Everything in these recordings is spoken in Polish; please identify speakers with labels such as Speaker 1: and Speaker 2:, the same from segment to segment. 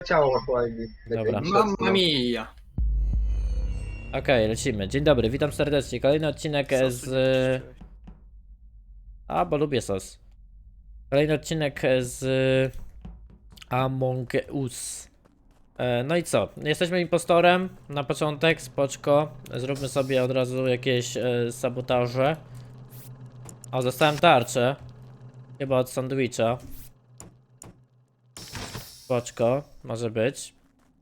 Speaker 1: ciało aktualnie.
Speaker 2: Dobra.
Speaker 3: Mamma mia.
Speaker 2: Okej, lecimy. Dzień dobry, witam serdecznie. Kolejny odcinek z... bo lubię sos. Kolejny odcinek z Among Us. No i co? Jesteśmy impostorem na początek, spoczko. Zróbmy sobie od razu jakieś sabotaże. O, dostałem tarczę. Chyba od sandwicha. Spoczko, może być.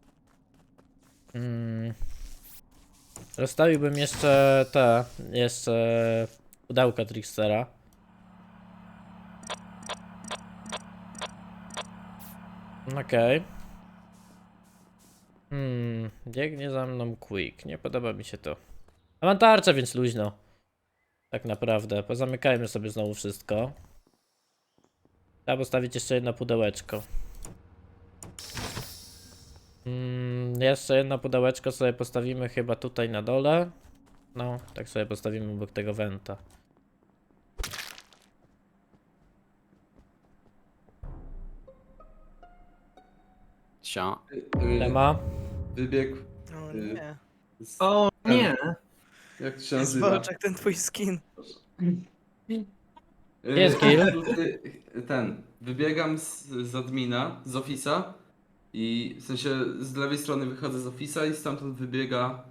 Speaker 2: Rozstawiłbym jeszcze pudełka Trickstera. Okej. Biegnie za mną Quick. Nie podoba mi się to. A mam tarczę, więc luźno. Tak naprawdę. Pozamykajmy sobie znowu wszystko. Trzeba postawić jeszcze jedno pudełeczko. Jeszcze jedno pudełeczko sobie postawimy chyba tutaj na dole. No, tak sobie postawimy obok tego wenta.
Speaker 3: Cia.
Speaker 2: Tema.
Speaker 4: Wybiegł.
Speaker 5: O nie.
Speaker 3: O nie.
Speaker 4: Jak to się
Speaker 5: Jest
Speaker 4: nazywa?
Speaker 5: walczak ten twój skin.
Speaker 2: Jest kill.
Speaker 4: Wybiegam z admina, z office'a i w sensie z lewej strony wychodzę z office'a i stamtąd wybiega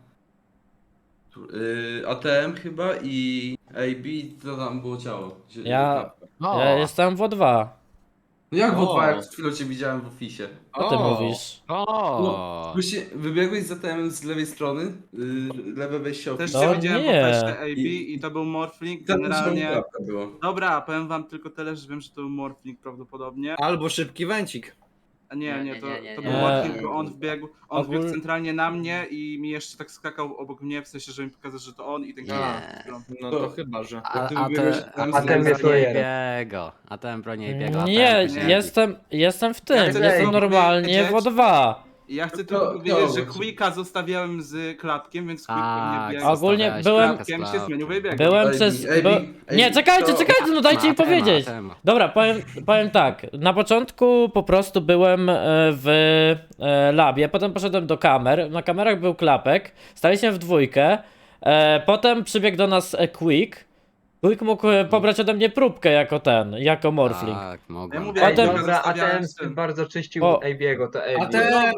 Speaker 4: ATM chyba i AB, to tam było ciało.
Speaker 2: Ja jestem w O2.
Speaker 4: No jak w
Speaker 3: O.
Speaker 4: O2, jak przed chwilą cię widziałem w office'ie?
Speaker 2: Co ty mówisz?
Speaker 3: O.
Speaker 4: Wybiegłeś z ATM z lewej strony, lewe wejście
Speaker 6: Też
Speaker 4: office'a.
Speaker 2: No
Speaker 6: cię widziałem
Speaker 2: nie.
Speaker 6: po teście AB i to był Morphling.
Speaker 4: Tam
Speaker 6: Generalnie.
Speaker 4: łapka było.
Speaker 6: Dobra, powiem wam tylko tyle, że wiem, że to był Morphling prawdopodobnie.
Speaker 3: Albo szybki węcik.
Speaker 6: A nie, to był
Speaker 2: nie.
Speaker 6: Morphling, bo on wbiegł
Speaker 2: Ogól-
Speaker 6: centralnie na mnie i mi jeszcze tak skakał obok mnie, w sensie, żeby mi pokazać, że to on i ten
Speaker 3: Nie.
Speaker 6: kill.
Speaker 3: No to chyba, że.
Speaker 4: Jak ty wybiegłeś tam z
Speaker 1: a ten
Speaker 4: lewej
Speaker 1: jest
Speaker 4: strony-
Speaker 1: lawyer.
Speaker 7: A ten broni biega.
Speaker 2: Nie,
Speaker 6: nie.
Speaker 2: jestem w tym.
Speaker 6: Ja chcę
Speaker 2: Jestem
Speaker 6: tylko
Speaker 2: normalnie w
Speaker 6: powiedzieć-
Speaker 2: O2.
Speaker 6: I ja chcę
Speaker 4: To-
Speaker 6: tylko powiedzieć,
Speaker 4: to-
Speaker 6: że Quicka zostawiałem z Klatkiem, więc Quick
Speaker 7: Tak,
Speaker 6: pewnie biegł.
Speaker 2: Ogólnie
Speaker 7: zostawiałeś
Speaker 2: byłem-
Speaker 6: Klatkiem się zmienił, wybiegł.
Speaker 2: Byłem
Speaker 4: AB,
Speaker 2: przez...
Speaker 4: AB,
Speaker 2: Nie,
Speaker 4: AB,
Speaker 2: czekajcie,
Speaker 4: to-
Speaker 2: no dajcie mi powiedzieć.
Speaker 7: Tema.
Speaker 2: Dobra, powiem tak. Na początku po prostu byłem w labie, potem poszedłem do kamer. Na kamerach był Klapek, staliśmy w dwójkę. Potem przybiegł do nas Quick. Quick mógł pobrać ode mnie próbkę jako Morphling.
Speaker 7: Tak,
Speaker 6: Ja
Speaker 7: mogłem.
Speaker 6: mówię,
Speaker 2: Potem-
Speaker 6: Quicka
Speaker 1: Dobra,
Speaker 6: zostawiałem
Speaker 1: ATM
Speaker 6: z tym.
Speaker 1: bardzo czyścił
Speaker 2: O.
Speaker 1: AB'ego, to AB.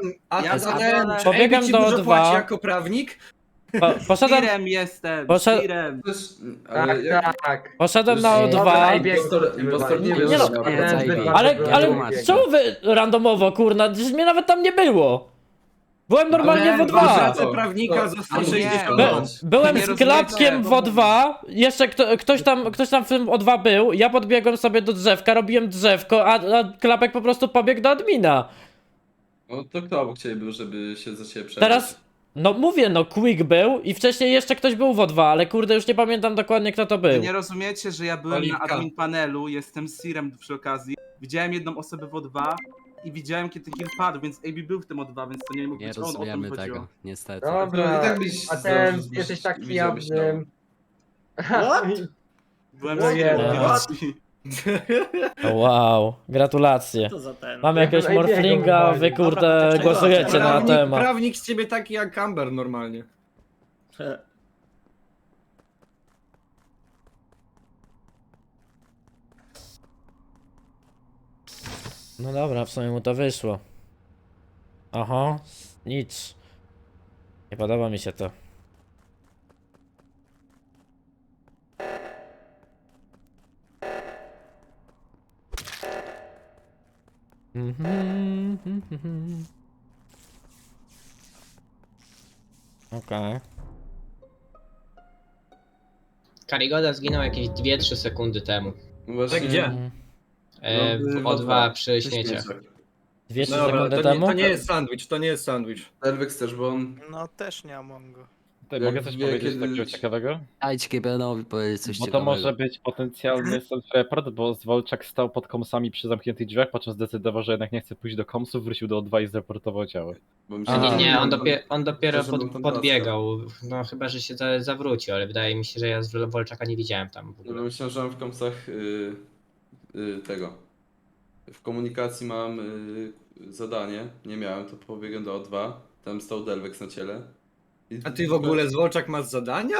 Speaker 2: Pobiegam
Speaker 3: ci
Speaker 2: do
Speaker 3: dużo
Speaker 2: O2.
Speaker 3: płaci jako prawnik?
Speaker 2: Poszedłem,
Speaker 6: Tirem jestem,
Speaker 2: Poszedł-
Speaker 6: Tirem.
Speaker 4: Też, ale
Speaker 1: Tak,
Speaker 4: jak-
Speaker 1: tak.
Speaker 2: poszedłem na
Speaker 1: Dobra,
Speaker 2: O2.
Speaker 4: Impostor nie
Speaker 1: był.
Speaker 4: wiem,
Speaker 2: no,
Speaker 4: że-
Speaker 2: Ale
Speaker 7: Tłumacz.
Speaker 2: czemu wy randomowo, kurna? Przecież mnie nawet tam nie było. Byłem normalnie w
Speaker 3: W
Speaker 2: O2.
Speaker 3: pracę prawnika za
Speaker 6: Ale nie.
Speaker 3: 160.
Speaker 2: Byłem
Speaker 6: Nie
Speaker 2: z
Speaker 6: rozumiecie,
Speaker 2: Klapkiem w
Speaker 6: bo-
Speaker 2: O2, jeszcze ktoś tam w tym O2 był, ja podbiegłem sobie do drzewka, robiłem drzewko, a Klapek po prostu pobiegł do admina.
Speaker 4: No to kto obok ciebie był, żeby się za ciebie przebić?
Speaker 2: Teraz, no mówię, no Quick był i wcześniej jeszcze ktoś był w O2, ale kurde już nie pamiętam dokładnie kto to
Speaker 6: Wy
Speaker 2: był.
Speaker 6: nie rozumiecie, że ja byłem
Speaker 3: Oliwka.
Speaker 6: na admin panelu, jestem Sirem przy okazji. Widziałem jedną osobę w O2 i widziałem, kiedy ten kill padł, więc AB był w tym O2, więc to nie mógł
Speaker 7: Nie
Speaker 6: być on, o to mi
Speaker 7: rozumiemy
Speaker 6: chodziło.
Speaker 7: tego, niestety.
Speaker 4: No
Speaker 1: Dobra,
Speaker 4: i tak byś
Speaker 1: ATM,
Speaker 4: zdążył,
Speaker 1: jesteś taki
Speaker 4: widziałbyś
Speaker 1: jawnym.
Speaker 6: Byłem
Speaker 1: No
Speaker 6: z
Speaker 1: nie,
Speaker 2: O, wow, gratulacje.
Speaker 5: Co za ten?
Speaker 2: Mamy jakiegoś
Speaker 1: Ja bym
Speaker 2: Morflinga,
Speaker 1: AB'ego
Speaker 2: wy kurde
Speaker 5: Dobra, to
Speaker 2: głosujecie na temat.
Speaker 3: Prawnik z ciebie taki jak Amber normalnie.
Speaker 2: No dobra, w sumie mu to wyszło. Oho, nic. Nie podoba mi się to. Okej.
Speaker 8: Karigoda zginął jakieś 2-3 sekundy temu.
Speaker 4: Właśnie,
Speaker 3: Tak gdzie?
Speaker 4: No,
Speaker 6: w
Speaker 8: O2
Speaker 6: O2
Speaker 8: przy śmieciach.
Speaker 2: 200
Speaker 3: Dobra,
Speaker 2: sekundy
Speaker 3: to
Speaker 2: temu?
Speaker 3: nie jest sandwich, to nie jest sandwich.
Speaker 4: Delvex też, bo on...
Speaker 5: No też nie mam go.
Speaker 9: Tutaj
Speaker 4: Jak
Speaker 9: mogę coś
Speaker 4: wie,
Speaker 9: powiedzieć
Speaker 4: kiedy-
Speaker 9: takiego ciekawego?
Speaker 7: Dajcie Kibenowi powiedzieć coś
Speaker 9: Bo to
Speaker 7: ciekawego.
Speaker 9: może być potencjalny self-report, bo Zwolczak stał pod komsami przy zamkniętych drzwiach, po czym zdecydował, że jednak nie chce pójść do komsów, wrócił do O2 i zreportował ciało.
Speaker 4: Bo mi
Speaker 2: A
Speaker 8: Nie,
Speaker 2: Aha.
Speaker 8: on dopiero
Speaker 4: że był tam
Speaker 8: podbiegał. No chyba, że się zawrócił, ale wydaje mi się, że ja z Wolczaka nie widziałem tam w
Speaker 4: No,
Speaker 8: ogóle.
Speaker 4: myślałem, że mam w komsach tego. W komunikacji mam zadanie, nie miałem, to pobiegłem do O2, tam stał Delvex na ciele.
Speaker 3: A ty w ogóle Zwolczak masz zadania?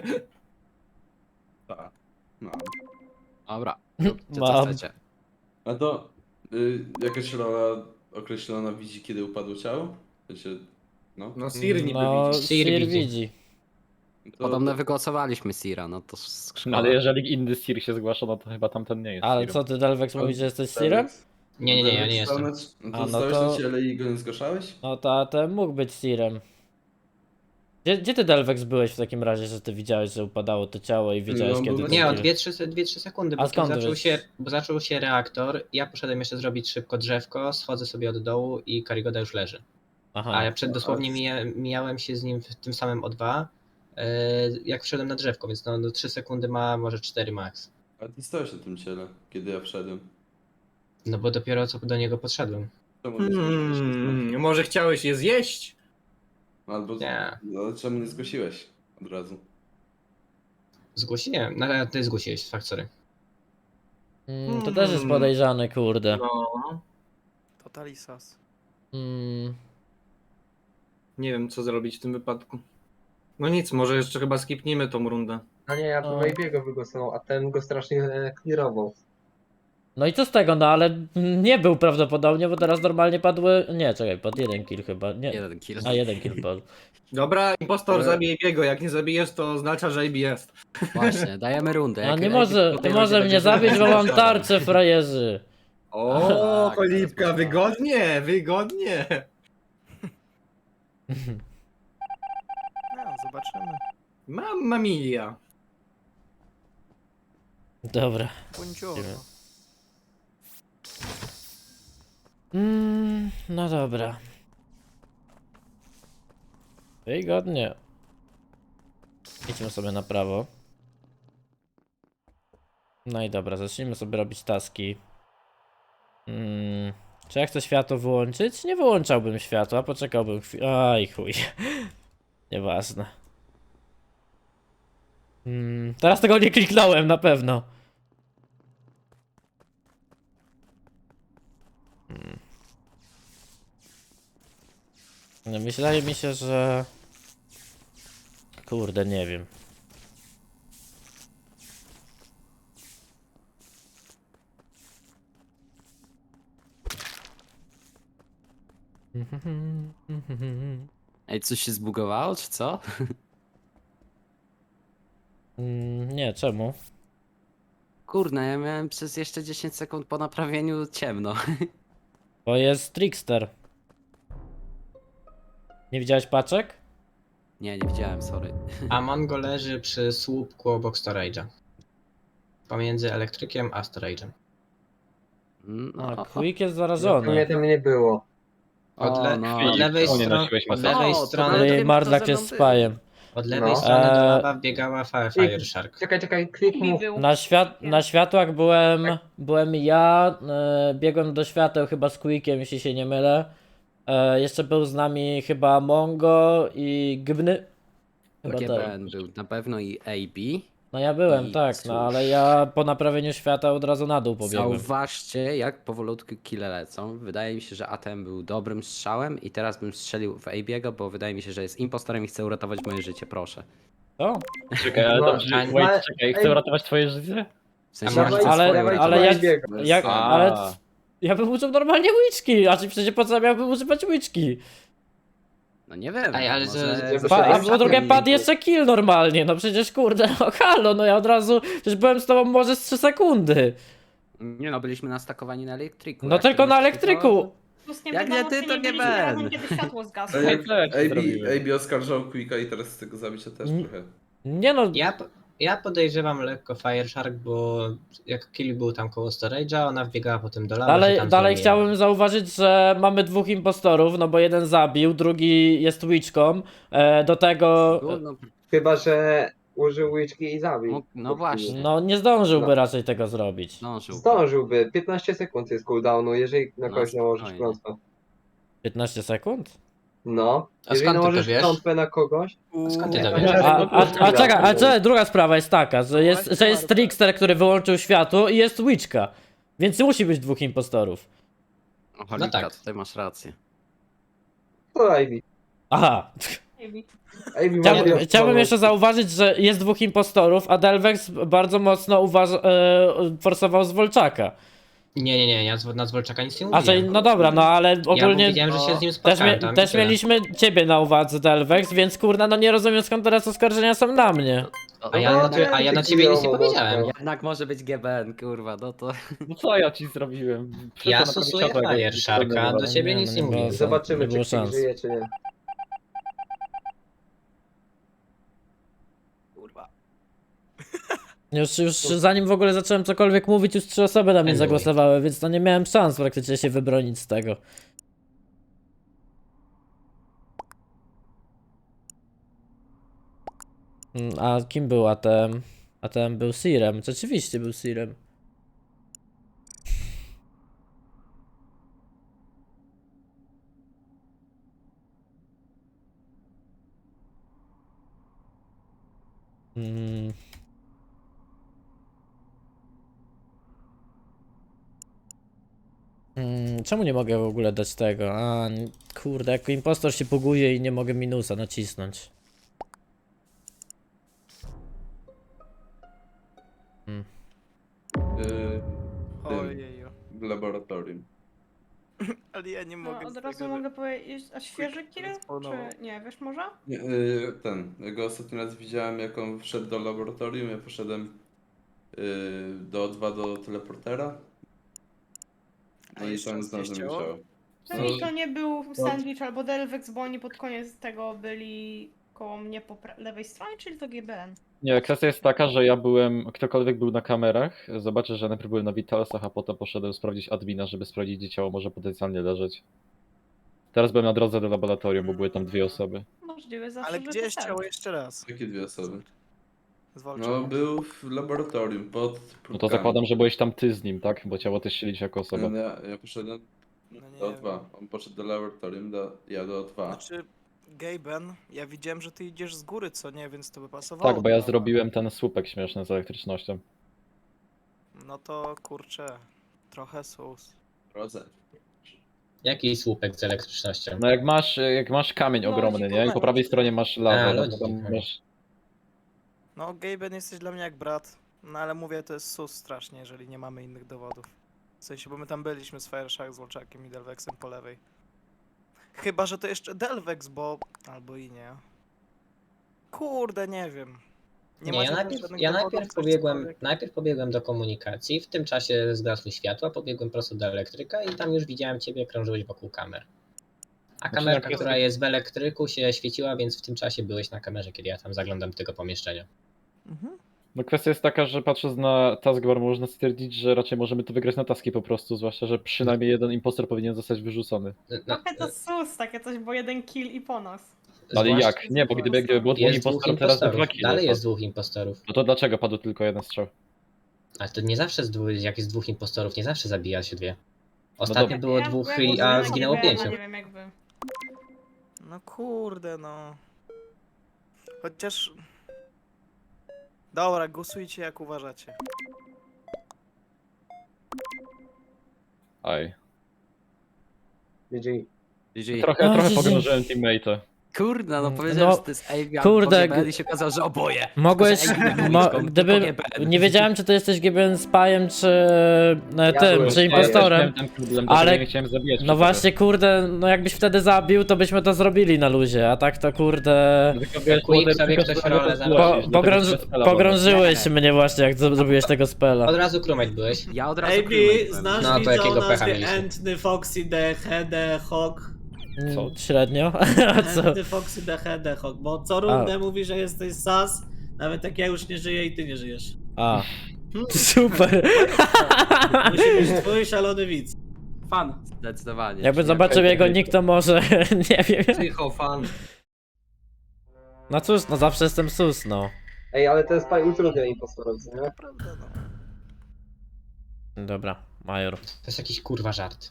Speaker 4: Tak, no.
Speaker 7: Dobra, co
Speaker 2: Mam.
Speaker 7: chcecie?
Speaker 4: A to jakaś rola określona widzi, kiedy upadło ciało? W sensie, no.
Speaker 3: No Sir niby
Speaker 2: No,
Speaker 3: widzi.
Speaker 8: Sir
Speaker 2: Sir
Speaker 8: widzi.
Speaker 2: widzi.
Speaker 4: To,
Speaker 7: Podobno wygłosowaliśmy Sira, no to
Speaker 9: No
Speaker 7: szkoda.
Speaker 9: ale jeżeli inny Sir się zgłasza, no to chyba tamten nie jest
Speaker 2: Ale
Speaker 9: Sirem.
Speaker 2: co ty, Delvex, mówisz, że jesteś Sirem?
Speaker 8: Nie, ja nie
Speaker 4: Delvex stał
Speaker 8: jestem.
Speaker 4: No
Speaker 2: A,
Speaker 4: to
Speaker 2: no
Speaker 4: stałeś
Speaker 2: to-
Speaker 4: na ciele i go nie zgłaszałeś?
Speaker 2: No to ten mógł być Sirem. Gdzie ty, Delvex, byłeś w takim razie, że ty widziałeś, że upadało to ciało i wiedziałeś,
Speaker 4: on był
Speaker 2: kiedy
Speaker 4: na
Speaker 2: to
Speaker 8: Nie, o
Speaker 2: Sir?
Speaker 8: 2-3 sekundy,
Speaker 2: A
Speaker 8: bo
Speaker 2: skąd
Speaker 8: zaczął
Speaker 2: wiesz?
Speaker 8: się, zaczął się reaktor, ja poszedłem jeszcze zrobić szybko drzewko, schodzę sobie od dołu i Karigoda już leży.
Speaker 2: Aha.
Speaker 8: A ja dosłownie mijałem się z nim w tym samym O2, jak wszedłem na drzewko, więc no 3 sekundy ma, może 4 max.
Speaker 4: A ty stałeś na tym ciele, kiedy ja wszedłem.
Speaker 8: No bo dopiero co do niego podszedłem.
Speaker 4: Czemu nie zgłosiłeś?
Speaker 3: Może chciałeś je zjeść?
Speaker 4: Albo
Speaker 8: Nie.
Speaker 4: no, czemu nie zgłosiłeś od razu?
Speaker 8: Zgłosiłem, no ty zgłosiłeś, fakt, sorry.
Speaker 2: To też jest podejrzane, kurde.
Speaker 3: No.
Speaker 5: Totalisas.
Speaker 2: Mm,
Speaker 3: Nie wiem, co zrobić w tym wypadku. No nic, może jeszcze chyba skipnijmy tą rundę.
Speaker 1: A nie, ja
Speaker 2: No.
Speaker 1: bym Wave'ego wygłosował, a ten go strasznie clearował.
Speaker 2: No i co z tego, no ale nie był prawdopodobnie, bo teraz normalnie padły... Nie, czekaj, padł jeden kill chyba, nie.
Speaker 7: Jeden kill.
Speaker 2: A, jeden kill padł.
Speaker 3: Dobra, impostor
Speaker 4: Ale-
Speaker 3: zabij Biego, jak nie zabijesz, to oznacza, że AB jest.
Speaker 7: Właśnie, dajemy rundę.
Speaker 2: A
Speaker 7: Jak-
Speaker 2: nie
Speaker 7: jak
Speaker 2: może,
Speaker 7: potem
Speaker 2: nie może
Speaker 7: będzie
Speaker 2: mnie zabić, bo mam tarczę, frajerzy.
Speaker 3: O,
Speaker 7: Tak,
Speaker 3: cholipka,
Speaker 7: teraz
Speaker 3: wygodnie, wygodnie.
Speaker 5: No, zobaczymy.
Speaker 3: Mamma mia.
Speaker 2: Dobra.
Speaker 5: Buongiorno.
Speaker 2: No dobra. Wygodnie. Idźmy sobie na prawo. No i dobra, zacznijmy sobie robić taski. Czy ja chcę światło wyłączyć? Nie wyłączałbym światła, poczekałbym chwilę. Aj chuj. Nieważne. Teraz tego nie kliknąłem, na pewno. No, wydaje mi się, że... Kurde, nie wiem.
Speaker 7: Ej, coś się zbugowało, czy co?
Speaker 2: Nie, czemu?
Speaker 7: Kurna, ja miałem przez jeszcze 10 sekund po naprawieniu ciemno.
Speaker 2: Bo jest Trickster. Nie widziałeś paczek?
Speaker 7: Nie, nie widziałem, sorry.
Speaker 8: A Mongo leży przy słupku obok storage'a. Pomiędzy elektrykiem a storage'em.
Speaker 2: A, Quick jest
Speaker 1: Mnie
Speaker 2: zarażony.
Speaker 1: tam nie było.
Speaker 8: Od,
Speaker 7: no.
Speaker 8: od lewej
Speaker 9: Czemu nie
Speaker 8: strony,
Speaker 9: nosiłeś
Speaker 8: od
Speaker 9: maski?
Speaker 8: lewej
Speaker 7: O, to
Speaker 8: strony,
Speaker 2: Ale
Speaker 7: wiem,
Speaker 2: Marduk
Speaker 7: kto ze
Speaker 2: jest
Speaker 7: mną był.
Speaker 2: spajem.
Speaker 8: od lewej
Speaker 1: No.
Speaker 8: strony do lawa wbiegała Fire Shark.
Speaker 1: Czekaj, Quick mów.
Speaker 2: Na światłach byłem ja, biegłem do świateł chyba z Quickiem, jeśli się nie mylę. Jeszcze był z nami chyba Mongo i Gbny. Chyba tak.
Speaker 7: GBN był na pewno i AB.
Speaker 2: No ja byłem,
Speaker 7: I
Speaker 2: tak,
Speaker 7: cóż.
Speaker 2: no ale ja po naprawieniu świata od razu na dół pobiegłem.
Speaker 7: Zauważcie, jak powolutku kile lecą. Wydaje mi się, że ATM był dobrym strzałem i teraz bym strzelił w AB'ego, bo wydaje mi się, że jest impostorem i chce uratować moje życie, proszę.
Speaker 2: Co?
Speaker 9: Czekaj, ale
Speaker 1: No,
Speaker 9: dobrze,
Speaker 8: a-
Speaker 9: wait, czekaj, chcę uratować twoje życie?
Speaker 7: W sensie,
Speaker 8: Dawaj,
Speaker 7: ja chcę
Speaker 2: ale-
Speaker 7: swoje
Speaker 2: ale
Speaker 7: uratować.
Speaker 2: jak-
Speaker 9: A.
Speaker 2: ale ja bym użył normalnie łyczki, a czy przecież po co miałbym używać łyczki?
Speaker 7: No nie wiem.
Speaker 8: Ej, ale
Speaker 7: może-
Speaker 1: że-
Speaker 2: A
Speaker 1: Żeby
Speaker 2: po drugie
Speaker 1: nie
Speaker 2: padł
Speaker 1: było.
Speaker 2: jeszcze kill normalnie, no przecież kurde, no halo, no ja od razu, przecież byłem z tobą może z 3 sekundy.
Speaker 7: Nie no, byliśmy nastakowani na elektryku.
Speaker 2: No
Speaker 7: Jak
Speaker 2: tylko
Speaker 7: to
Speaker 2: na
Speaker 7: byś
Speaker 2: elektryku.
Speaker 10: Plus nie
Speaker 7: Jak nie
Speaker 10: wiadomo,
Speaker 7: ty,
Speaker 10: czy
Speaker 7: to nie
Speaker 10: byliśmy
Speaker 7: Ben.
Speaker 10: razem, kiedy światło zgasło.
Speaker 4: A jak
Speaker 9: Tak, tak, zrobiłem.
Speaker 4: AB oskarżał Quicka i teraz z tego zabicia też trochę.
Speaker 2: Nie no,
Speaker 8: Ja podejrzewam lekko Fire Shark, bo jak kill był tam koło storage'a, ona wbiegała potem do lawa. się
Speaker 2: dalej
Speaker 8: tam z nią mijała.
Speaker 2: chciałbym zauważyć, że mamy 2 impostorów, no bo jeden zabił, drugi jest łyczką, do tego,
Speaker 7: No,
Speaker 1: Chyba, że użył łyczki i zabił.
Speaker 7: no właśnie.
Speaker 2: no nie zdążyłby
Speaker 1: No.
Speaker 2: raczej tego zrobić.
Speaker 7: Zdążył.
Speaker 1: Zdążyłby. 15 sekund jest cooldownu, jeżeli na
Speaker 7: No,
Speaker 1: kogoś nałożysz
Speaker 7: spokojnie.
Speaker 1: klątwę.
Speaker 2: 15 sekund?
Speaker 1: No.
Speaker 8: A
Speaker 1: Jeżeli
Speaker 8: skąd ty to
Speaker 1: nałożysz
Speaker 8: wiesz?
Speaker 1: klątwę na kogoś...
Speaker 8: Skąd ty to
Speaker 1: to
Speaker 8: wiesz?
Speaker 2: Czekaj, druga sprawa jest taka, że jest Trickster, który wyłączył światło i jest łyczka, więc musi być 2 impostorów.
Speaker 7: O, Holika,
Speaker 8: tak.
Speaker 7: tutaj masz rację.
Speaker 1: To Ivy.
Speaker 2: Aha.
Speaker 1: Ivy
Speaker 2: Chciałbym jeszcze zauważyć, że jest dwóch impostorów, a Delvex bardzo mocno forsował Zwolczaka.
Speaker 8: Nie, ja na Zwolczaka nic nie
Speaker 2: A
Speaker 8: mówiłem.
Speaker 2: że, no dobra, no ale
Speaker 8: Ja
Speaker 2: ogólnie
Speaker 8: powiedziałem, że się z nim
Speaker 2: też,
Speaker 8: spotkałem tam i
Speaker 2: też
Speaker 8: tyle.
Speaker 2: mieliśmy ciebie na uwadze, Delvex, więc kurna, no nie rozumiem skąd teraz oskarżenia są na mnie.
Speaker 8: A ja na ciebie nic nie powiedziałem.
Speaker 7: Jednak może być GBN, kurwa, no to...
Speaker 9: No co ja ci zrobiłem?
Speaker 8: Ja
Speaker 9: Przestań naprawić
Speaker 8: stosuję
Speaker 9: światła, jak
Speaker 8: Fire
Speaker 9: jest
Speaker 8: Sharka,
Speaker 9: zdenerwowany.
Speaker 8: do ciebie
Speaker 2: Nie,
Speaker 8: nic
Speaker 2: no
Speaker 8: nie
Speaker 2: nie
Speaker 8: mówiłem.
Speaker 2: było
Speaker 1: Zobaczymy,
Speaker 2: Nie było
Speaker 1: czy ktoś
Speaker 2: szans.
Speaker 1: żyje, czy nie.
Speaker 5: Kurwa.
Speaker 2: Już zanim w ogóle zacząłem cokolwiek mówić, już 3 osoby na mnie
Speaker 8: Anyway.
Speaker 2: zagłosowały, więc no nie miałem szans praktycznie się wybronić z tego. A kim był ATM? ATM był Sirem, rzeczywiście był Sirem. Mm. Czemu nie mogę w ogóle dać tego? Kurde, jako impostor się buguje i nie mogę minusa nacisnąć.
Speaker 5: Ojeju.
Speaker 4: W laboratorium.
Speaker 5: Ale ja nie mogę
Speaker 10: No, od
Speaker 5: z
Speaker 10: razu
Speaker 5: tego,
Speaker 10: mogę powiedzieć, a świeży kill?
Speaker 5: spawnował.
Speaker 10: Czy nie, wiesz może?
Speaker 4: Nie, ja go ostatni raz widziałem, jak on wszedł do laboratorium, ja poszedłem do O2 do teleportera.
Speaker 5: A
Speaker 4: No i
Speaker 5: jeszcze
Speaker 4: tam
Speaker 5: raz gdzieś
Speaker 4: znalazłem
Speaker 5: ciało?
Speaker 4: ciało.
Speaker 10: Pewnie to nie był Sandwich albo Delvex, bo oni pod koniec tego byli koło mnie po lewej stronie, czyli to GBN.
Speaker 9: Nie, kwestia jest taka, że ja byłem, ktokolwiek był na kamerach, zobaczę, że najpierw byłem na Vitalsach, a potem poszedłem sprawdzić admina, żeby sprawdzić, gdzie ciało może potencjalnie leżeć. Teraz byłem na drodze do laboratorium, bo były tam 2 osoby.
Speaker 10: Możliwe zawsze,
Speaker 5: Ale
Speaker 10: że
Speaker 5: gdzie
Speaker 10: to
Speaker 5: jest
Speaker 10: tak.
Speaker 5: ciało jeszcze raz?
Speaker 4: Jakie 2 osoby?
Speaker 5: Zwalczam.
Speaker 4: No, był w laboratorium, pod
Speaker 9: No to
Speaker 4: próbkami.
Speaker 9: zakładam, że byłeś tam ty z nim, tak? Bo ciało też się liczy jako osoba.
Speaker 4: Ja poszedłem
Speaker 5: No nie
Speaker 4: do
Speaker 5: wiem.
Speaker 4: O2. On poszedł do laboratorium, ja do O2.
Speaker 5: Znaczy, Gaben, ja widziałem, że ty idziesz z góry, co nie, więc to by pasowało.
Speaker 9: Tak, bo ja
Speaker 5: do-
Speaker 9: zrobiłem ten słupek śmieszny z elektrycznością.
Speaker 5: No to kurczę, trochę sus.
Speaker 4: Drodze.
Speaker 8: Jaki słupek z elektrycznością?
Speaker 9: No jak masz kamień
Speaker 10: Lodzik,
Speaker 9: ogromny, nie? I po prawej stronie masz
Speaker 8: A,
Speaker 9: lawę, no
Speaker 8: lodzik,
Speaker 9: to tam
Speaker 8: okej.
Speaker 9: masz...
Speaker 5: No, Gaben, jesteś dla mnie jak brat. No ale mówię, to jest sus strasznie, jeżeli nie mamy innych dowodów. W sensie, bo my tam byliśmy z Fireshark, z Wolczakiem i Delvexem po lewej. Chyba, że to jeszcze Delvex, bo... albo i nie. Kurde, nie wiem.
Speaker 8: Nie,
Speaker 5: macie
Speaker 8: ja
Speaker 5: tam
Speaker 8: najpierw,
Speaker 5: żadnych
Speaker 8: ja
Speaker 5: dowodów,
Speaker 8: najpierw,
Speaker 5: coś,
Speaker 8: pobiegłem,
Speaker 5: cokolwiek?
Speaker 8: najpierw pobiegłem do komunikacji, w tym czasie zgasły światła, pobiegłem prosto do elektryka i tam już widziałem ciebie, krążyłeś wokół kamer. A kamerka,
Speaker 9: jak-
Speaker 8: która jest w elektryku, się świeciła, więc w tym czasie byłeś na kamerze, kiedy ja tam zaglądam do tego pomieszczenia.
Speaker 5: Mhm.
Speaker 9: No kwestia jest taka, że patrząc na taskbar można stwierdzić, że raczej możemy to wygrać na taski po prostu, zwłaszcza, że przynajmniej jeden impostor powinien zostać wyrzucony.
Speaker 8: No,
Speaker 10: Trochę to sus, takie coś, bo jeden kill i po nas.
Speaker 9: Ale
Speaker 8: zwłaszcza-
Speaker 9: jak? Nie, bo gdyby było dwóch
Speaker 8: Jest dwóch
Speaker 9: impostorów, teraz by 2
Speaker 8: impostorów,
Speaker 9: kilo.
Speaker 8: dalej jest dwóch impostorów.
Speaker 9: No to dlaczego padł tylko jeden strzał?
Speaker 8: Ale to nie zawsze, jak jest dwóch impostorów, nie zawsze zabija się dwie. Ostatnio
Speaker 9: dobra.
Speaker 8: było dwóch, a zginęło 5.
Speaker 10: Nie wiem jak wy.
Speaker 5: No kurde, no. Chociaż... Dobra, głosujcie jak uważacie.
Speaker 9: Aj.
Speaker 1: GG.
Speaker 7: GG.
Speaker 9: Trochę
Speaker 2: GG.
Speaker 9: pogrążyłem teammate'a.
Speaker 7: Kurde, no
Speaker 2: No,
Speaker 7: powiedziałem, że to jest AB albo
Speaker 2: kurde,
Speaker 7: GBN i się okazało, że oboje.
Speaker 2: Mogłeś,
Speaker 7: Tylko, że AB był liczbą, tylko
Speaker 2: gdyby,
Speaker 7: GBN.
Speaker 2: nie wiedziałem czy to jesteś GBN Spyem czy tym,
Speaker 1: byłem
Speaker 2: czy
Speaker 1: Spyem.
Speaker 2: impostorem.
Speaker 9: Ten problem,
Speaker 2: Ale-
Speaker 9: ale nie chciałem zabijać.
Speaker 2: No właśnie, kurde, no jakbyś wtedy zabił, to byśmy to zrobili na luzie, a tak to kurde...
Speaker 8: Quick sobie ktoś rolę załatwił.
Speaker 2: Pogrążyłeś mnie właśnie, jak zrobiłeś tego spela.
Speaker 8: Od razu crewmate byłeś.
Speaker 7: Ja od razu
Speaker 11: AB,
Speaker 7: crewmate byłem.
Speaker 11: znasz
Speaker 8: No, to
Speaker 11: widza
Speaker 8: jakiego
Speaker 11: o
Speaker 8: pecha
Speaker 11: nazwie
Speaker 8: mieliśmy?
Speaker 11: Entny, Foxy, The Hede, Hawk?
Speaker 9: Co?
Speaker 2: Średnio? A co?
Speaker 11: Entny, Foxy, The Hede, Hawk, bo co rundę mówi, że jesteś sas, nawet jak ja już nie żyję i ty nie żyjesz.
Speaker 2: A, super.
Speaker 11: Musi być twój szalony widz.
Speaker 6: Fan.
Speaker 7: Zdecydowanie.
Speaker 2: Jakby
Speaker 7: Czyli
Speaker 2: zobaczył
Speaker 9: jak-
Speaker 2: jego nick, to może, nie wiem.
Speaker 8: Psychofan.
Speaker 2: No cóż, no zawsze jestem sus, no.
Speaker 1: Ej, ale ten spy utrudnia impostorów, nie?
Speaker 5: Naprawdę, no.
Speaker 2: Dobra, Major.
Speaker 8: To jest jakiś kurwa żart.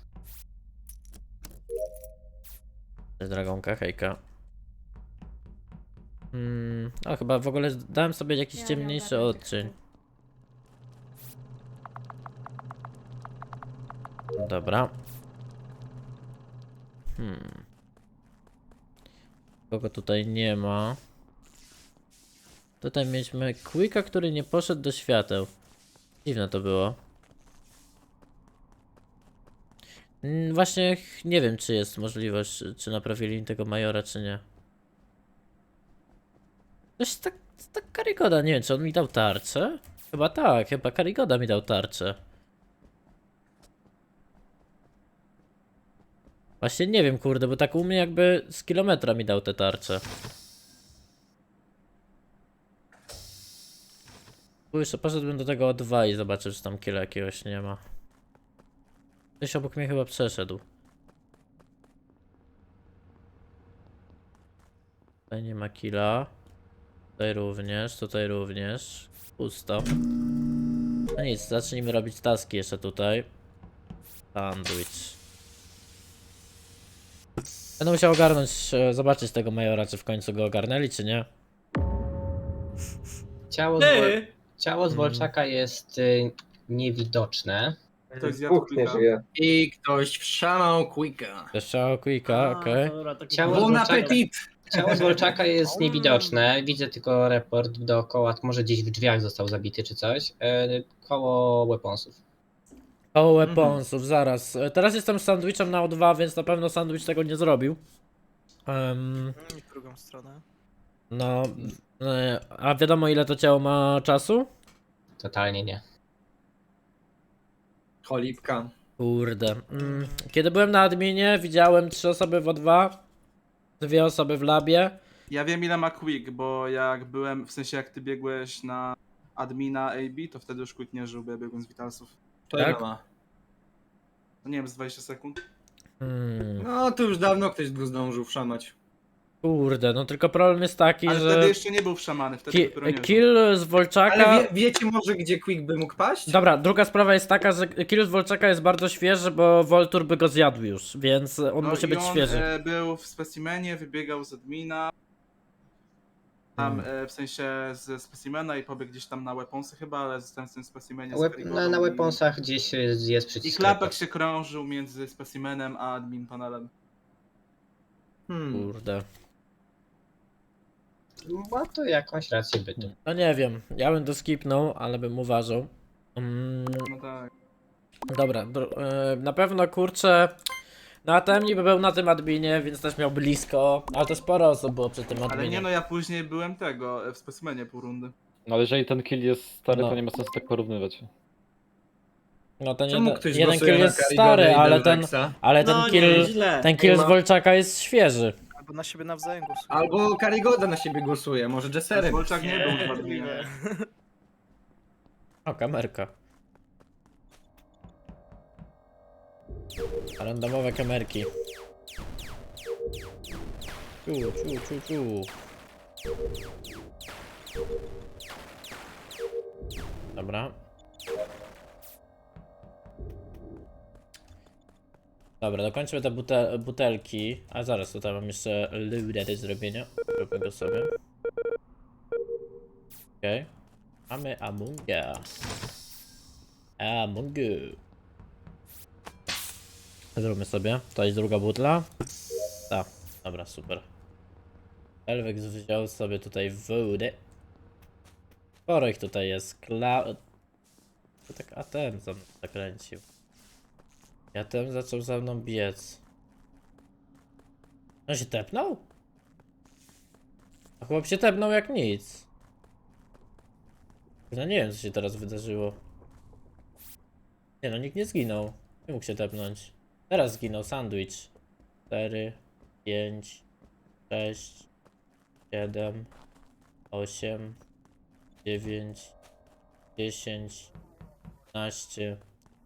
Speaker 2: Dragonka, hejka. O, chyba w ogóle dałem sobie jakiś
Speaker 10: Ja nie
Speaker 2: ciemniejszy
Speaker 10: ogarniam tych
Speaker 2: odcień. Dobra. Kogo tutaj nie ma? Tutaj mieliśmy Quicka, który nie poszedł do świateł. Dziwne to było. Właśnie nie wiem, czy jest możliwość, czy naprawili tego Majora, czy nie. Coś tak Karigoda, nie wiem, czy on mi dał tarczę? Chyba tak, chyba Karigoda mi dał tarczę. Właśnie nie wiem, kurde, bo tak u mnie jakby z kilometra mi dał te tarcze. Jeszcze poszedłbym do tego O2 i zobaczę, czy tam killa jakiegoś nie ma. Ktoś obok mnie chyba przeszedł. Tutaj nie ma killa. Tutaj również. Pusto. No nic, zacznijmy robić taski jeszcze tutaj. Sandwich. Będę musiał ogarnąć, zobaczyć tego Majora, czy w końcu go ogarnęli, czy nie.
Speaker 8: Ciało z Wolczaka jest niewidoczne.
Speaker 3: Ktoś zjadł
Speaker 1: Dwóch nie
Speaker 3: Quicka.
Speaker 1: żyje.
Speaker 3: I ktoś wszamał Quicka.
Speaker 2: Jeszcze Quicka, okej.
Speaker 8: Ciało z
Speaker 3: Bon
Speaker 8: Wolczaka,
Speaker 3: appetit!
Speaker 8: ciało z Wolczaka jest niewidoczne. Widzę tylko report dookoła, może gdzieś w drzwiach został zabity czy coś. Koło weaponsów.
Speaker 2: O weaponsów, zaraz. Teraz jestem z sandwichem na O2, więc na pewno sandwich tego nie zrobił.
Speaker 5: I w drugą stronę.
Speaker 2: No, a wiadomo ile to ciało ma czasu?
Speaker 8: Totalnie nie.
Speaker 3: Cholipka.
Speaker 2: Kurde. Kiedy byłem na adminie, widziałem 3 osoby w O2, 2 osoby w labie.
Speaker 6: Ja wiem ile ma Quick, bo jak byłem, w sensie jak ty biegłeś na admina AB, to wtedy już Quick nie żył, bo ja biegłem z Vitalsów.
Speaker 3: To
Speaker 2: Tak?
Speaker 3: ile ma?
Speaker 6: No nie wiem, z 20 sekund.
Speaker 3: No to już dawno ktoś go zdążył wszamać.
Speaker 2: Kurde, no tylko problem jest taki,
Speaker 6: Ale
Speaker 2: że
Speaker 6: wtedy jeszcze nie był wszamany, wtedy dopiero nie żył.
Speaker 2: kill z Wolczaka...
Speaker 3: Ale wiecie może gdzie Quick by mógł paść?
Speaker 2: Dobra, druga sprawa jest taka, że kill z Wolczaka jest bardzo świeży, bo Voltur by go zjadł już, więc on
Speaker 6: No
Speaker 2: musi
Speaker 6: i
Speaker 2: być
Speaker 6: on,
Speaker 2: świeży.
Speaker 6: Był w specimenie, wybiegał z admina. Tam w sensie ze specimena i pobiegł gdzieś tam na weaponsy chyba, ale zostałem w tym specimenie z Karigodą
Speaker 8: Na
Speaker 6: i-
Speaker 8: weaponsach gdzieś jest
Speaker 6: I
Speaker 8: przycisk.
Speaker 6: klapek
Speaker 8: report.
Speaker 6: się krążył między specimenem a admin panelem.
Speaker 2: Kurde.
Speaker 8: Ma to jakąś rację bytu.
Speaker 2: No nie wiem, ja bym to skipnął, ale bym uważał.
Speaker 6: No tak.
Speaker 2: Dobra, na pewno kurczę. No ATM niby był na tym adminie, więc też miał blisko, ale to sporo osób było przy tym adminie.
Speaker 6: Ale nie no, ja później byłem tego, w specimenie pół rundy.
Speaker 9: No ale jeżeli ten kill jest stary,
Speaker 2: No.
Speaker 9: to nie ma sensu tak porównywać.
Speaker 2: No ten
Speaker 3: Czemu
Speaker 2: jeden,
Speaker 3: ktoś
Speaker 2: jeden
Speaker 3: głosuje
Speaker 2: kill
Speaker 3: na
Speaker 2: jest
Speaker 3: Karigodę
Speaker 2: stary,
Speaker 3: i
Speaker 2: ale ten,
Speaker 3: Delvexa?
Speaker 2: ale ten
Speaker 11: No
Speaker 2: kill,
Speaker 11: nieźle.
Speaker 2: ten kill
Speaker 3: Nie
Speaker 2: z
Speaker 3: ma.
Speaker 2: Wolczaka jest świeży.
Speaker 5: Albo na siebie nawzajem głosują.
Speaker 3: Albo Karigoda na siebie głosuje, może Jesserem.
Speaker 6: Wolczak nie był w adminie.
Speaker 2: O, kamerka. Randomowe kamerki. Tu. Dobra. Dobra, dokończmy te butelki. A zaraz, tutaj mam jeszcze ludę do zrobienia. Róbmy go sobie. Okej. Mamy Amunga. Amungu. Zróbmy sobie. To jest druga butla. Tak, dobra, super. Elvex wziął sobie tutaj wodę. Sporo ich tutaj jest. To tak ATM za mną zakręcił. I ATM zaczął za mną biec. On się tepnął? A chłop się tepnął jak nic. No nie wiem co się teraz wydarzyło. Nie no, nikt nie zginął. Nie mógł się tepnąć. Teraz zginął sandwich. 4, 5, 6, 7, 8, 9, 10, 15.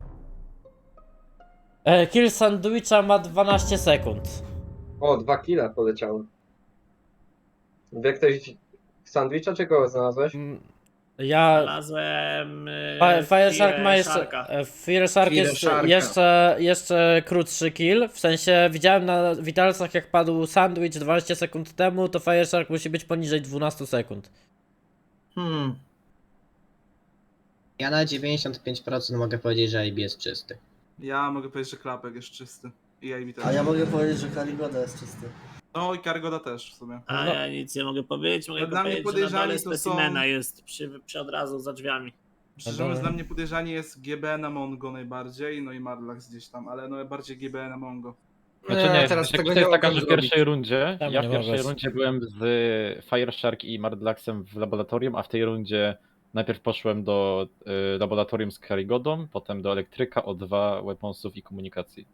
Speaker 2: Kill sandwicha ma 12 sekund.
Speaker 1: O, 2 kile poleciały. Wie ktoś sandwicha, czy kogo znalazłeś?
Speaker 2: Ja...
Speaker 11: Znalazłem...
Speaker 2: Fire Shark ma jeszcze...
Speaker 11: Sharka.
Speaker 2: Fire Shark
Speaker 3: Fire
Speaker 2: jest
Speaker 3: Sharka.
Speaker 2: jeszcze krótszy kill. W sensie widziałem na Vitalsach jak padł sandwich 12 sekund temu, to Fire Shark musi być poniżej 12 sekund.
Speaker 8: Ja na 95% mogę powiedzieć, że IB jest czysty.
Speaker 6: Ja mogę powiedzieć, że klapek jest czysty. I AB też.
Speaker 12: A ja mogę powiedzieć, że Karigoda jest czysty.
Speaker 6: No i Karygoda też w sumie.
Speaker 11: A
Speaker 2: No.
Speaker 11: ja nic nie mogę powiedzieć. Mogę
Speaker 6: Dla mnie
Speaker 11: powiedzieć, że na
Speaker 6: podejrzani
Speaker 11: dole
Speaker 6: to są-
Speaker 11: specimena jest przy od razu za drzwiami.
Speaker 6: Szczerze mówiąc, dla mnie podejrzani jest GBN na Mongo najbardziej, no i Marlax gdzieś tam, ale no bardziej GBN na Mongo.
Speaker 9: Znaczy nie,
Speaker 3: teraz
Speaker 9: kwestia
Speaker 3: tego
Speaker 9: jest
Speaker 3: nie
Speaker 9: taka,
Speaker 3: mogę
Speaker 9: że w pierwszej rundzie,
Speaker 2: Tam
Speaker 9: ja
Speaker 2: nie
Speaker 9: w pierwszej
Speaker 2: możesz.
Speaker 9: rundzie byłem z Fireshark i Mardlaxem w laboratorium, a w tej rundzie najpierw poszłem do laboratorium z Karigodą, potem do elektryka, O2, weaponsów i komunikacji.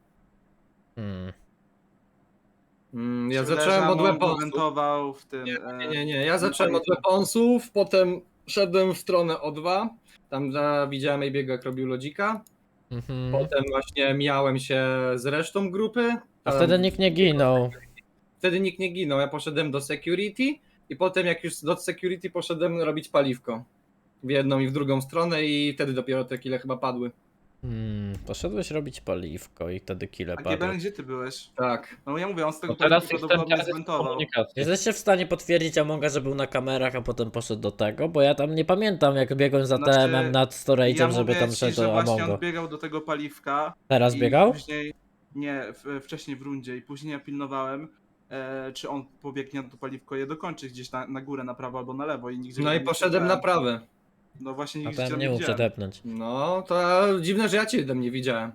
Speaker 3: Ja
Speaker 6: Mi się wydaje,
Speaker 3: zacząłem
Speaker 6: że
Speaker 3: od
Speaker 6: Mongo
Speaker 3: weaponsów.
Speaker 6: wentował w tym...
Speaker 3: Nie. Ja zacząłem od weaponsów, potem szedłem w stronę O2. Tam widziałem AB'ego, jak robił lodzika. Potem właśnie mijałem się z resztą grupy.
Speaker 2: A
Speaker 3: Tam-
Speaker 2: wtedy nikt nie ginął.
Speaker 3: Wtedy nikt nie ginął. Ja poszedłem do security i potem jak już do security poszedłem robić paliwko. W jedną i w drugą stronę i wtedy dopiero te kile chyba padły.
Speaker 2: Poszedłeś robić paliwko i wtedy kile
Speaker 6: A
Speaker 2: padły.
Speaker 6: GBN gdzie ty byłeś?
Speaker 3: Tak.
Speaker 6: No ja mówię, on z tego
Speaker 9: No teraz
Speaker 6: paliwa
Speaker 9: jestem
Speaker 6: prawdopodobnie
Speaker 9: w
Speaker 6: zwentował.
Speaker 9: komunikacji.
Speaker 2: Jesteście w stanie potwierdzić Amonga, że był na kamerach, a potem poszedł do tego? Bo ja tam nie pamiętam, jak biegłem za
Speaker 6: Znaczy,
Speaker 2: TM-em nad storage'em,
Speaker 6: Ja
Speaker 2: żeby
Speaker 6: mówię
Speaker 2: tam
Speaker 6: ci,
Speaker 2: szedł
Speaker 6: że
Speaker 2: do
Speaker 6: właśnie
Speaker 2: Amongo.
Speaker 6: on biegał do tego paliwka.
Speaker 2: Teraz
Speaker 6: i
Speaker 2: biegał?
Speaker 6: Później, nie, wcześniej w rundzie i później ja pilnowałem, czy on pobiegnie na to paliwko je dokończy gdzieś na górę, na prawo albo na lewo i nigdzie
Speaker 3: No
Speaker 6: go
Speaker 3: i
Speaker 6: nie
Speaker 3: poszedłem na
Speaker 6: widziałem.
Speaker 3: prawe.
Speaker 6: No właśnie
Speaker 2: A
Speaker 6: nigdzie
Speaker 2: tam
Speaker 6: cię
Speaker 2: nie mógł
Speaker 6: widziałem.
Speaker 2: przetepnąć.
Speaker 3: No to dziwne, że ja cię tam nie widziałem.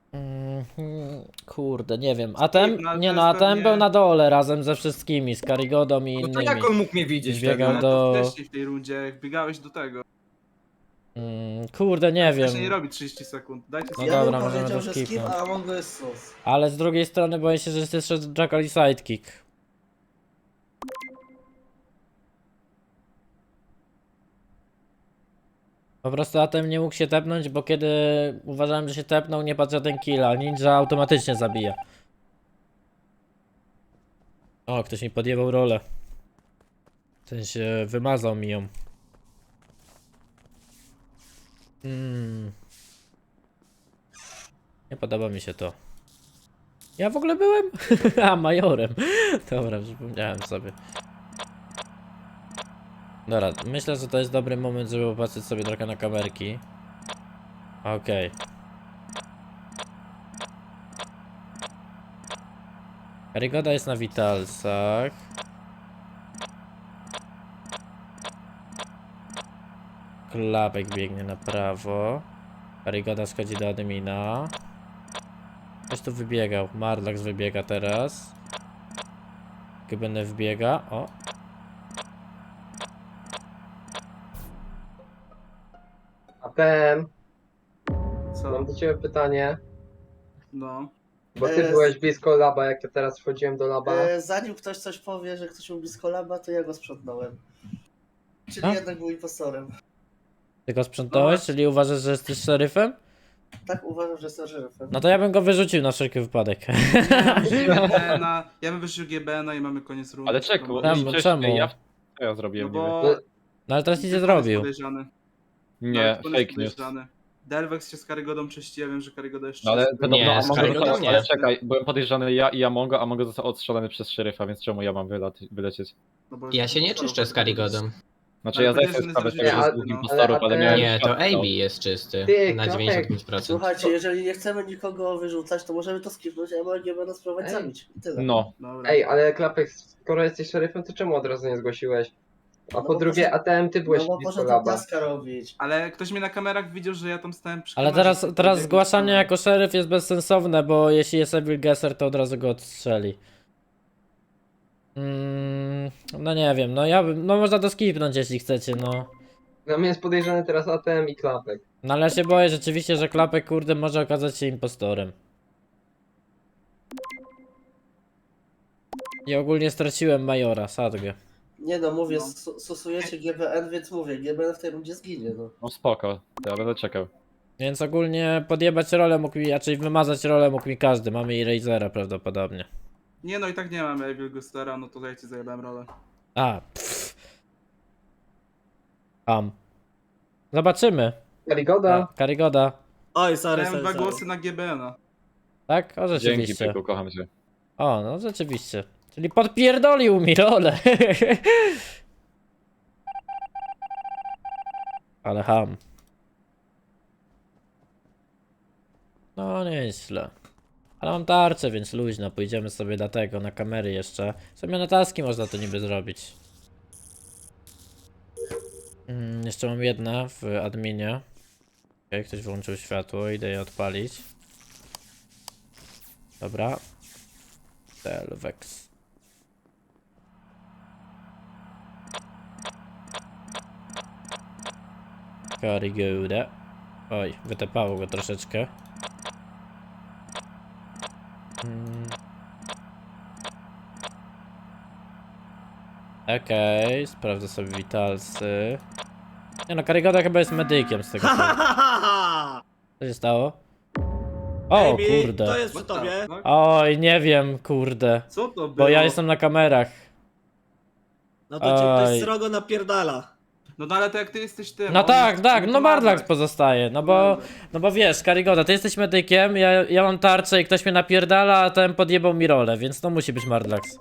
Speaker 2: Kurde, nie wiem. Atem?
Speaker 6: No, ale
Speaker 2: Nie
Speaker 6: to
Speaker 2: no,
Speaker 6: jest
Speaker 2: Atem
Speaker 6: pewnie-
Speaker 2: był na dole razem ze wszystkimi, z Karigodą i
Speaker 3: No to
Speaker 2: innymi.
Speaker 3: jak on mógł mnie widzieć
Speaker 2: Biegał
Speaker 3: wtedy?
Speaker 6: Ale
Speaker 2: do-
Speaker 6: to wcześniej w tej rundzie, jak biegałeś do tego.
Speaker 2: Kurde, nie
Speaker 6: Wcześniej nie
Speaker 2: wiem.
Speaker 6: robi 30 sekund. Dajcie
Speaker 2: No
Speaker 6: sobie.
Speaker 12: ja
Speaker 2: dobra,
Speaker 12: bym
Speaker 2: możemy
Speaker 12: powiedział,
Speaker 2: to
Speaker 12: że skip,
Speaker 2: skipnąć.
Speaker 12: a Mongo jest sus.
Speaker 2: Ale z drugiej strony boję się, że jest jeszcze Jackal i Sidekick. Po prostu Atem nie mógł się tepnąć, bo kiedy uważałem, że się tepnął, nie padł żaden kill, a ninja automatycznie zabija. O, ktoś mi podjęwał rolę. W sensie wymazał mi ją. Nie podoba mi się to. Ja w ogóle byłem? A, majorem. Dobra, przypomniałem sobie. Dobra, myślę, że to jest dobry moment, żeby popatrzeć sobie trochę na kamerki. Okej. Karygoda jest na Vitalsach. Klapek biegnie na prawo. Karygoda schodzi do admina. Ktoś tu wybiegał. Marlax wybiega teraz. GBN wbiega. O.
Speaker 1: ATM,
Speaker 6: Co?
Speaker 1: mam do ciebie pytanie,
Speaker 6: No.
Speaker 1: bo ty byłeś blisko laba, jak ja teraz wchodziłem do laba.
Speaker 12: Zanim ktoś coś powie, że ktoś był blisko laba, to ja go sprzątnąłem. Czyli
Speaker 2: A?
Speaker 12: jednak był impostorem.
Speaker 2: Ty go sprzątałeś, czyli uważasz, że jesteś szeryfem?
Speaker 12: Tak uważam, że jestem szeryfem.
Speaker 2: No to ja bym go wyrzucił na wszelki wypadek.
Speaker 6: Ja bym wyrzucił GBN-a i mamy koniec rundy.
Speaker 9: Ale czekaj,
Speaker 2: Czemu?
Speaker 9: przecież
Speaker 2: Czemu?
Speaker 9: co ja zrobiłem,
Speaker 6: No
Speaker 9: nie
Speaker 6: bo...
Speaker 9: wiem.
Speaker 2: No ale teraz nic nie
Speaker 6: Tylko on jest
Speaker 2: zrobił.
Speaker 6: podejrzany.
Speaker 9: Nie,
Speaker 6: Nawet on jest
Speaker 9: fake news.
Speaker 6: podejrzany. Delvex się z Karygodą czyści, ja wiem, że Karygoda jest
Speaker 9: No ale
Speaker 6: czysty.
Speaker 9: podobno
Speaker 8: Nie, z
Speaker 9: Amongo
Speaker 8: Karygodą
Speaker 9: został,
Speaker 8: nie.
Speaker 9: ale czekaj, byłem podejrzany ja i Amongo, Amongo został odstrzelony przez szeryfa, więc czemu ja mam wylecieć?
Speaker 6: No bo
Speaker 8: Ja się nie czyszczę z Karigodą.
Speaker 9: Znaczy
Speaker 6: Ale
Speaker 9: ja zdaję
Speaker 6: podejrzany
Speaker 9: sobie sprawę z tego,
Speaker 6: jest
Speaker 9: że
Speaker 1: że-
Speaker 9: jest dwóch
Speaker 6: no.
Speaker 9: impostorów,
Speaker 1: Ale
Speaker 9: ale miałem...
Speaker 8: Nie, to
Speaker 9: światło.
Speaker 8: AB jest czysty.
Speaker 1: Ty,
Speaker 8: Na
Speaker 1: Klapek.
Speaker 8: 95%.
Speaker 12: Słuchajcie, jeżeli nie chcemy nikogo wyrzucać, to możemy to skipnąć, a mogę będę spróbować
Speaker 1: Ej.
Speaker 12: zabić. I tyle.
Speaker 9: No,
Speaker 6: Dobra.
Speaker 1: Ej, ale Klapek, skoro jesteś szeryfem, to czemu od razu nie zgłosiłeś? A
Speaker 12: No
Speaker 1: po
Speaker 12: bo
Speaker 1: drugie,
Speaker 12: poszedł-
Speaker 1: ATM, ty byłeś
Speaker 12: No bo
Speaker 1: blisko
Speaker 12: poszedł
Speaker 1: laba.
Speaker 12: taska robić.
Speaker 6: Ale ktoś mnie na kamerach widział, że ja tam stałem przy
Speaker 2: Ale
Speaker 6: kamerze, to
Speaker 2: teraz
Speaker 6: biegł
Speaker 2: zgłaszanie
Speaker 6: tam.
Speaker 2: jako szeryf jest bezsensowne, bo jeśli jest Evil Gesser, to od razu go odstrzeli. No nie wiem, no ja bym, no można to skipnąć jeśli chcecie, no.
Speaker 1: Dla mnie jest podejrzany teraz ATM i Klapek.
Speaker 2: No ale ja się boję rzeczywiście, że Klapek kurde może okazać się impostorem. I ogólnie straciłem Majora, Sadgę.
Speaker 12: Nie no, mówię,
Speaker 6: No.
Speaker 12: stosujecie GBN, więc mówię, GBN w tej rundzie zginie, no.
Speaker 9: no spoko, to ja będę czekał.
Speaker 2: Więc ogólnie podjebać rolę mógł mi, raczej wymazać rolę mógł mi każdy. Mamy i Razera prawdopodobnie.
Speaker 6: Nie no i tak nie mamy Evil Gustera, no to ja ci zajebałem rolę.
Speaker 2: A, Zobaczymy.
Speaker 1: Karygoda.
Speaker 2: Karygoda.
Speaker 11: Oj, sorry,
Speaker 6: Dałem
Speaker 11: sorry,
Speaker 6: dwa
Speaker 11: sorry.
Speaker 6: głosy na GBN-a.
Speaker 2: Tak? O,
Speaker 9: Dzięki,
Speaker 2: rzeczywiście.
Speaker 9: Pyku, kocham cię.
Speaker 2: O, no rzeczywiście. Czyli podpierdolił mi rolę. Ale ham. No nieźle. Ale mam tarczę, więc luźno, pójdziemy sobie do tego, na kamery jeszcze. Sobie na taski można to niby zrobić. Jeszcze mam jedna w adminie. Okej, ktoś włączył światło, idę je odpalić. Dobra. Delvex. Karigoda. Oj, wytepało go troszeczkę. Okej, sprawdzę sobie witalsy. Nie no, Karigoda chyba jest medykiem z tego co. Co się stało? O
Speaker 11: Baby,
Speaker 2: kurde.
Speaker 11: to jest przy
Speaker 6: What the
Speaker 11: tobie.
Speaker 6: fuck?
Speaker 2: Oj, nie wiem, kurde.
Speaker 6: Co to było?
Speaker 2: Bo ja jestem na kamerach.
Speaker 11: No to cię ktoś
Speaker 2: Oj.
Speaker 11: srogo napierdala.
Speaker 6: No ale to jak ty jesteś tym.
Speaker 2: No
Speaker 6: on
Speaker 2: tak,
Speaker 6: jest
Speaker 2: tak, no
Speaker 6: przygotowany.
Speaker 2: Mardlax pozostaje, no bo wiesz, Karigoda, ty jesteś medykiem, ja mam tarczę i ktoś mnie napierdala, a ten podjebał mi rolę, więc to musi być Mardlax.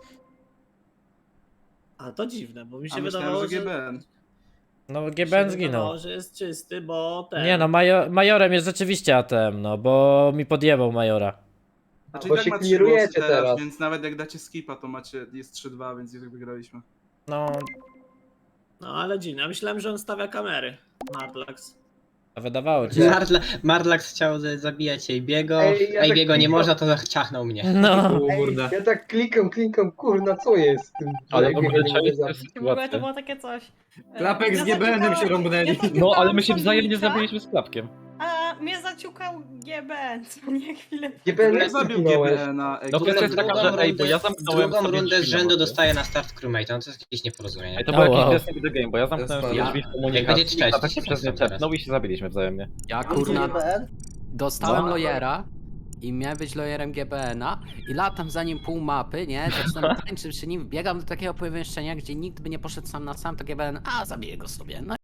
Speaker 11: A to dziwne, bo mi się
Speaker 6: A
Speaker 11: wydawało,
Speaker 6: myślałem, że
Speaker 11: że...
Speaker 6: GBN.
Speaker 2: No
Speaker 11: mi się
Speaker 2: GBN zginął.
Speaker 11: wydawało, że jest czysty, bo ten...
Speaker 2: Nie no, majorem jest rzeczywiście ATM, no bo mi podjebał majora.
Speaker 6: Znaczy
Speaker 1: Bo
Speaker 6: i tak
Speaker 1: się
Speaker 6: ma 3
Speaker 1: clearujecie
Speaker 6: głosy teraz,
Speaker 1: teraz.
Speaker 6: więc nawet jak dacie skipa, to macie, jest 3-2, więc i tak wygraliśmy.
Speaker 2: No,
Speaker 11: No ale dziwne, ja myślałem, że on stawia kamery. Mardlax.
Speaker 2: a wydawało ci się.
Speaker 8: Mardlax chciał zabijać Ejbiego,
Speaker 1: Ej, ja tak
Speaker 8: Ejbiego nie
Speaker 1: klikam.
Speaker 8: można, to ciachnął mnie.
Speaker 2: No,
Speaker 3: Kurde.
Speaker 1: Ja tak klikam, kurna, co jest z tym?
Speaker 9: Ale w
Speaker 1: Że
Speaker 9: ogóle
Speaker 1: biega nie mogę
Speaker 9: czaisz tę
Speaker 1: zabić.
Speaker 10: W ogóle to
Speaker 9: sytuację.
Speaker 10: było takie coś.
Speaker 3: Klapek z
Speaker 10: Mnie
Speaker 3: GBN-em się
Speaker 10: zaciukało-
Speaker 3: rąbnęli.
Speaker 10: mnie
Speaker 9: No, ale
Speaker 10: zaciukało
Speaker 9: my się wzajemnie
Speaker 10: sandwicha,
Speaker 9: zabiliśmy z klapkiem.
Speaker 10: A mnie zaciukał GBN, co nie chwilę.
Speaker 1: GBN
Speaker 6: Ja
Speaker 1: jak
Speaker 6: zabił
Speaker 1: zginąłeś?
Speaker 6: GBN-a.
Speaker 9: No to jest taka, że ej, bo ja zamknąłem
Speaker 8: Drugą
Speaker 9: sobie
Speaker 8: rundę z
Speaker 9: drzwi na
Speaker 8: rzędu
Speaker 9: boku.
Speaker 8: dostaje na start crewmate, no to jest jakieś nieporozumienie.
Speaker 9: Ej, to był
Speaker 2: Oh,
Speaker 9: jakiś
Speaker 2: wow.
Speaker 9: desync the game, bo ja zamknąłem
Speaker 4: Jest
Speaker 9: sobie
Speaker 4: fan.
Speaker 9: drzwi w
Speaker 8: Jak
Speaker 9: komunikacji,
Speaker 8: będzie trzeci,
Speaker 9: a tak się
Speaker 8: to
Speaker 9: przez nie
Speaker 8: są teraz.
Speaker 9: tepnął i się zabiliśmy wzajemnie.
Speaker 7: Ja kurna
Speaker 12: GBN?
Speaker 7: dostałem
Speaker 9: No.
Speaker 7: lawyera i miałem być lawyerem GBN-a i latam za nim pół mapy, nie? Zaczynam tańczyć przy nim, biegam do takiego pomieszczenia, gdzie nikt by nie poszedł sam na sam, to GBN, a zabiję go sobie. No